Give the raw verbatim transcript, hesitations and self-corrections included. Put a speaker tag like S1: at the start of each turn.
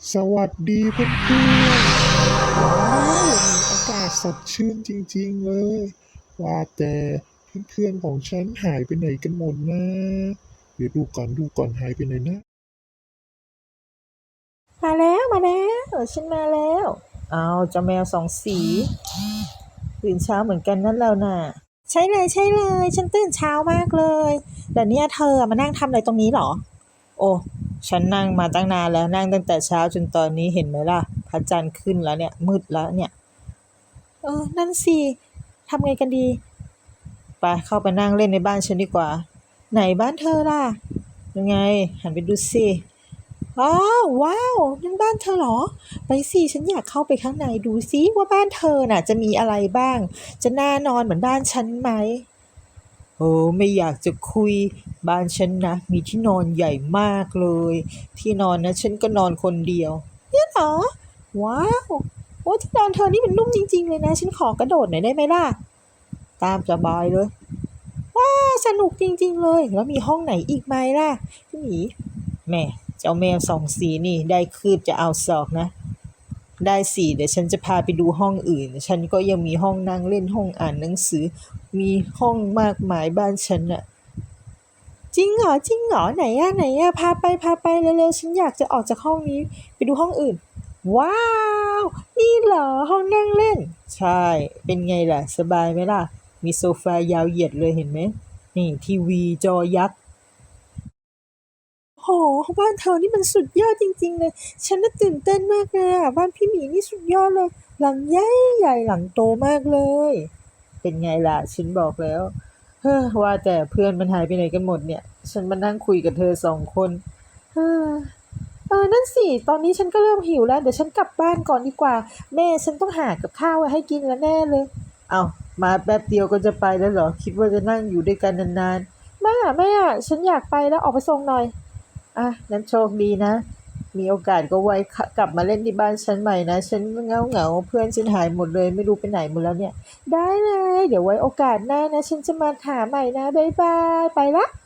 S1: สวัสดีเพื่อนๆว้าววันนี้อากาศสดชื่นจริงๆเลยว่าแต่เพื่อนๆของฉันหายไปไหนกันหมดนะเดี๋ยวดูก่อนดูก่อนหายไปไหนนะ
S2: มาแล้วมาแล้วฉันมาแล้วเอาเจ้าแมวสองสีตื่นเช้าเหมือนกันนั่นแล้วน่ะใช่เลยใช่เลยฉันตื่นเช้ามากเลยแต่เนี่ยเธอมานั่งทำอะไรตรงนี้เหรอโอ้ฉันนั่งมาตั้งนานแล้วนั่งตั้งแต่เช้าจนตอนนี้เห็นไหมล่ะพระจันทร์ขึ้นแล้วเนี่ยมืดแล้วเนี่ยเออนั่นสิทำไงกันดีไปเข้าไปนั่งเล่นในบ้านฉันดีกว่าไหนบ้านเธอล่ะยังไงหันไปดูสิ อ้าวว้าวนั่นบ้านเธอเหรอไปสิฉันอยากเข้าไปข้างในดูซิว่าบ้านเธอน่ะจะมีอะไรบ้างจะน่านอนเหมือนบ้านฉันไหมโอ้ไม่อยากจะคุยบ้านฉันนะมีที่นอนใหญ่มากเลยที่นอนนะฉันก็นอนคนเดียวเนี่ยเหรอว้าวโอ้ที่นอนเธอนี่มันนุ่มจริงๆเลยนะฉันขอกระโดดหน่อยได้ไหมล่ะตามสบายเลยว้าสนุกจริงๆเลยแล้วมีห้องไหนอีกไหมล่ะพี่หมี แม่เจ้าแมวสองสีนี่ได้คืบจะเอาศอกนะได้สิเดี๋ยวฉันจะพาไปดูห้องอื่นฉันก็ยังมีห้องนั่งเล่นห้องอ่านหนังสือมีห้องมากมายบ้านฉันน่ะจริงเหรอจริงเหรอไหนอะไหนอะพาไปพาไปเร็วๆฉันอยากจะออกจากห้องนี้ไปดูห้องอื่นว้าวนี่เหรอห้องนั่งเล่นใช่เป็นไงล่ะสบายไหมล่ะมีโซฟายาวเหยียดเลยเห็นไหมนี่ทีวีจอยักษ์ โอ้โฮบ้านเธอนี่มันสุดยอดจริงๆเลยฉันน่ะตื่นเต้นมากเลยอะบ้านพี่หมีนี่สุดยอดเลยหลังใหญ่ๆหลังโตมากเลยเป็นไงล่ะฉันบอกแล้วเฮ้อว่าแต่เพื่อนมันหายไปไหนกันหมดเนี่ยฉันมานั่งคุยกับเธอสองคนเออเออนั่นสิตอนนี้ฉันก็เริ่มหิวแล้วเดี๋ยวฉันกลับบ้านก่อนดีกว่าแม่ฉันต้องหากับข้าวไว้ให้กินแล้วแน่เลยอ้าวมาแป๊บเดียวก็จะไปแล้วเหรอคิดว่าจะนั่งอยู่ด้วยกันนานๆแม่อะแม่อะฉันอยากไปแล้วออกไปส่งหน่อย อ่ะงั้นโชคดีนะ มีโอกาสก็ไว้กลับมาเล่นที่บ้านฉันใหม่นะ ฉันเงาเงาเพื่อนฉันหายหมดเลยไม่รู้ไปไหนหมดแล้วเนี่ย ได้เลย เดี๋ยวไว้โอกาสหน้านะ ฉันจะมาหาใหม่นะบ๊ายบาย ไปละ